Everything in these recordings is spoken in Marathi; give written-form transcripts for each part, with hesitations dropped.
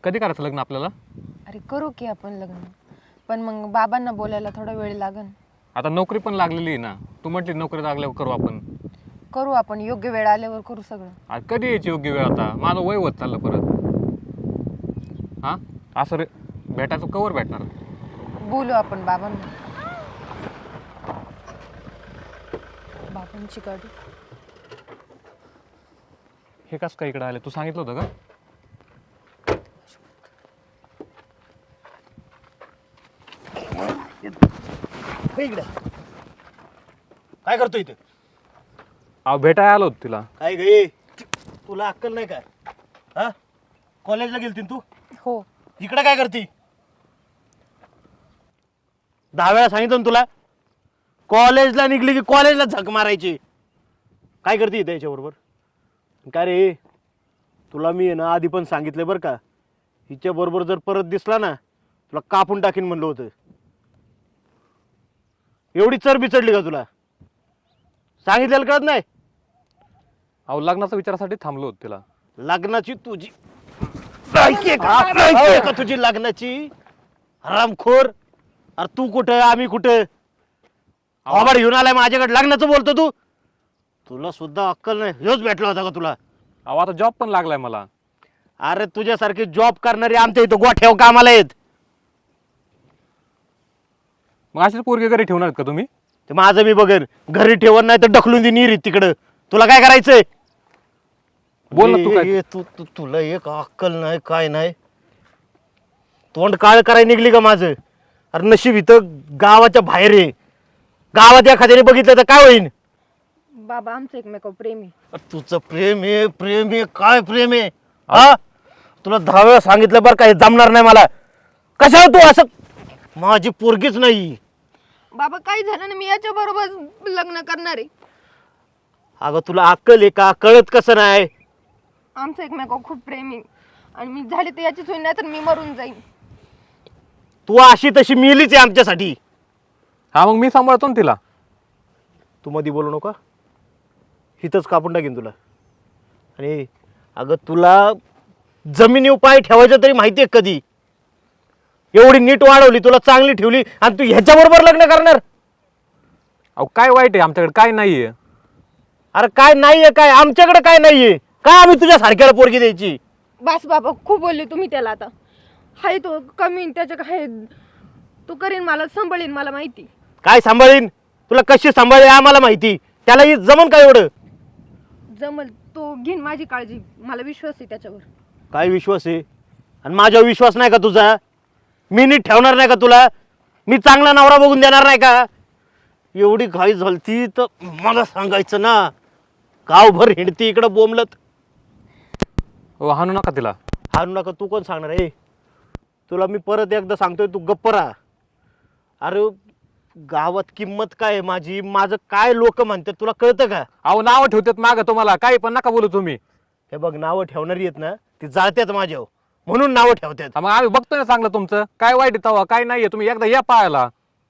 कधी करायचं लग्न आपल्याला? अरे करू की आपण लग्न, पण मग बाबांना बोलायला थोडा वेळ लागन. आता नोकरी पण लागलेली आहे ना. तू म्हटली नोकरी लागल्यावर करू आपण. करू आपण, योग्य वेळ आल्यावर करू सगळं. आज कधी यायची योग्य वेळ? आता माझं वय होत चाललं परत. हां असं रे भेटायचं कवर भेटणार? बोलू आपण बाबांना. बाबांची गाडी. हे कसं काय इकडे आले? तू सांगितलं होतं का? इकडे काय करतो इथे? अहो भेटायला आलो होतो तिला. काय गे, तुला अक्कल नाही काय? हा, कॉलेजला गेलती तू? हो. इकडे काय करती? 10 वेळा सांगितलं ना तुला, कॉलेजला निघली की कॉलेजला झक मारायची. काय करते इथे याच्याबरोबर? काय रे, तुला मी आहे ना आधी पण सांगितलं बरं का, हिच्या बरोबर जर परत दिसला ना तुला कापून टाकीन म्हणलं होतं. एवढी चरबी चढली का तुला? सांगितलेलं कळत नाही? अहो लग्नाच्या विचारासाठी थांबलो होतो तिला. लग्नाची तुझी लायकी आहे का? लायकी आहे का तुझी लग्नाची? हरामखोर. अरे तू कुठं, आम्ही कुठं? आवाड घेऊन आलाय माझ्याकडे, लग्नाचं बोलतो तू? तुला सुद्धा अक्कल नाही. ह्योच भेटला होता का तुला? अहो आता जॉब पण लागलाय मला. अरे तुझ्यासारखे जॉब करणारे आमच्या इथं गोठ्याव कामाला आहेत. मग अशीच पोरगी घरी ठेवणार का तुम्ही? ते माझं मी बघेन. घरी ठेवत नाही तर ढकलून दे निरीत तिकडं. तुला काय करायचंय? बोल ना तू काय. तुला एक अक्कल नाही, काय नाही. तोंड काळ करायला निघली का माझं? अरे नशीब इथं गावाच्या बाहेर आहे. गावात एखाद्याने बघितलं तर काय होईल? बाबा आमचं एकमेकावर प्रेम आहे. तुझं प्रेम आहे, प्रेम आहे, काय प्रेम आहे? हा, तुला 10 वेळा सांगितलं बरं का, हे जमणार नाही मला. कशाला तू असं? माझी पोरगीच नाही. बाबा काही झालं ना, मी याच्या बरोबर लग्न करणार आहे. अगं तुला अक्कल आहे का? कळत कसं नाही? आमचं एकमेकावर खूप प्रेम आहे आणि मी झाले तर याचीच होईल, नाही तर मी मरून जाईन. तू अशी तशी मिलीच आहे आमच्यासाठी. हा मग मी सांभाळतो ना तिला. तू मध्ये बोलू नका, हिथंच कापून टाकीन तुला. आणि अगं तुला जमिनीवर पाय ठेवायचं तरी माहिती आहे कधी? एवढी नीट वाढवली, तुला चांगली ठेवली, आणि तू ह्याच्याबरोबर लग्न करणार? अहो काय वाईट आहे आमच्याकडे? काय नाहीये. अरे काय नाहीये? काय आमच्याकडे काय नाहीये? काय आम्ही तुझ्या सारख्याला पोरगी द्यायची? बस बाबा, खूप बोलले तुम्ही त्याला. आता हाय तो कमी, त्याच्या काय तो करीन, मला सांभाळीन, मला माहिती. काय सांभाळीन? तुला कशी सांभाळी आम्हाला माहिती. त्याला ही जमन काय एवढं? जमल, तो घेईन माझी काळजी, मला विश्वास आहे त्याच्यावर. काय विश्वास आहे? आणि माझ्यावर विश्वास नाही का तुझा? मी नीट ठेवणार नाही का तुला? मी चांगला नवरा बघून देणार नाही का? एवढी घाई झालती तर मला सांगायचं ना. गावभर हिंडती इकडं बोंबलत. हो हाणू नका तिला. हारू नका तू कोण सांगणार आहे? तुला मी परत एकदा सांगतोय, तू गप्प राहा. अरे गावात किंमत काय आहे माझी? माझं काय लोक म्हणतात तुला कळतं का? अहो नावं ठेवतात मागं तुम्हाला, काही पण नका बोलू तुम्ही. हे बघ, नावं ठेवणारी आहेत ना, ती जाळतात माझ्यावर, म्हणून नावं ठेवतात. हा, मग आम्ही बघतोय ना चांगलं तुमचं. काय वाईट आहे तेव्हा? काय नाहीये. तुम्ही एकदा या पाहायला.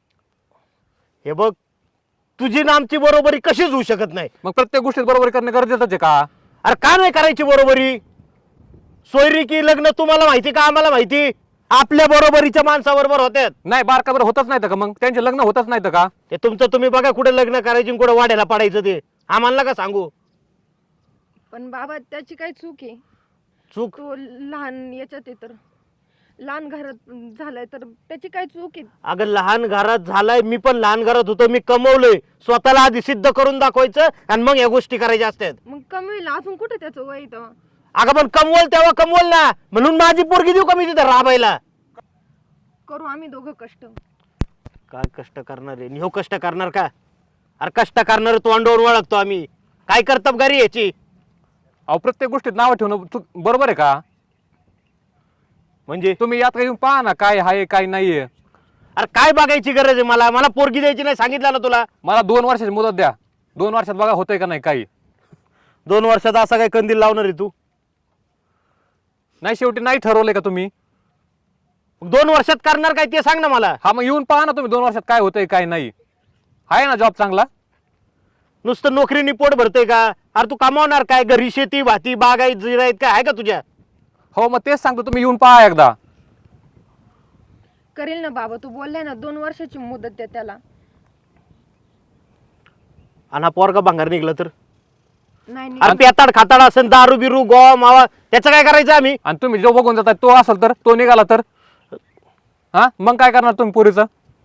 हे बघ, तुझी ना आमची बरोबरी कशीच होऊ शकत नाही. मग प्रत्येक गोष्टीत बरोबर करणं गरजेचंच आहे का? अरे का नाही करायची बरोबरी? सोयरी की लग्न तुम्हाला माहिती का आम्हाला माहिती? आपल्या बरोबरीच्या माणसाबरोबर होत्यात. नाही बारकाबर होतच नाही का? मग त्यांचे लग्न होतच नाही का? ते तुमचं तुम्ही बघा, कुठे लग्न करायची कुठे वाढायला पडायचं ते आम्हाला का सांगू? पण बाबा त्याची काय चूक आहे? चूक? तो लहान याच्यात आहे, तर लहान घरात झालाय, तर त्याची काय चूक आहे? अगं लहान घरात झालाय, मी पण लहान घरात होतो. मी कमवलंय, स्वतःला आधी सिद्ध करून दाखवायचं आणि मग या गोष्टी करायच्या असतात. मग कमी होईल अजून, कुठे त्याचं वय तेव्हा? अगं पण कमवल तेव्हा कमवल ना, म्हणून माझी पोरगी देऊ का मी तिथं राबायला? करू आम्ही दोघं कष्ट. काय कष्ट करणार आहे? ह्यो कष्ट करणार का? अरे कष्ट करणार तोंडावर ओळखतो आम्ही. काय कर्तबगारी याची? अहो प्रत्येक गोष्टीत नावं ठेवणं बरोबर आहे का? म्हणजे तुम्ही यात येऊन पहा ना, काय आहे काय नाहीये. अरे काय बघायची गरज आहे? मला मला पोरगी द्यायची नाही सांगितलं ना तुला. मला 2 वर्षाची मुदत द्या. 2 वर्षात बघा होतंय का नाही काही. 2 वर्षात असा काय कंदील लावणार आहे तू? नाही शेवटी नाही ठरवलंय का तुम्ही? 2 वर्षात करणार काय ते सांग ना मला. हा मग येऊन पहा ना तुम्ही 2 वर्षात काय होतंय काय नाही. आहे ना जॉब चांगला? नुसतं नोकरीनी पोट भरतंय का? अरे तू कमावणार काय? घरी शेती भाती बागायत जिरायत काय आहे का तुझ्या? हो मग तेच सांगतो, तुम्ही येऊन पहा एकदा. करेल ना बाबा, तू बोललाय ना 2 वर्षाची मुदत द्या त्याला. आणि हा पोरगा भांगार निघला तर? नाही अरे नाही पेताड खाताड असेल, दारू बिरू गोवा मावा, त्याचं काय करायचं आम्ही? आणि तुम्ही जो बघून जाताय तो असेल तर, तो निघाला तर हा मग काय करणार तुम्ही पोरीचं?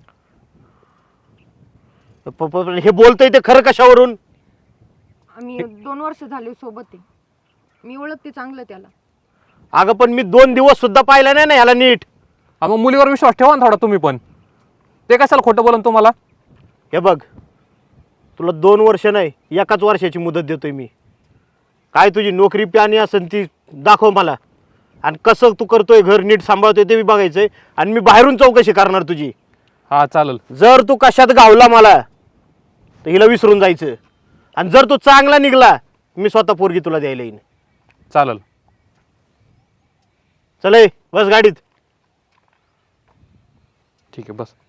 हे बोलतोय ते खरं कशावरून? आम्ही 2 वर्ष झाले सोबत आहे, मी ओळखते चांगलं त्याला. अगं पण मी 2 दिवस सुद्धा पाहिला नाही ना ह्याला नीट. हा मग मुलीवर विश्वास ठेवा ना थोडा तुम्ही पण. ते कशाला खोटं बोलन तुम्हाला? हे बघ, तुला 2 वर्ष नाही 1 वर्षाची मुदत देतोय मी. काय तुझी नोकरी प्यानी असेल ती दाखव मला, आणि कसं तू करतोय, घर नीट सांभाळतोय ते बी बघायचंय, आणि मी बाहेरून चौकशी करणार तुझी. हा चालेल. जर तू कशात गावला मला तर हिला विसरून जायचं, आणि जर तू चांगला निघला मी स्वतः पोरगी तुला द्यायला येईन. चालेल. चल ए, बस गाडीत. ठीक आहे बस.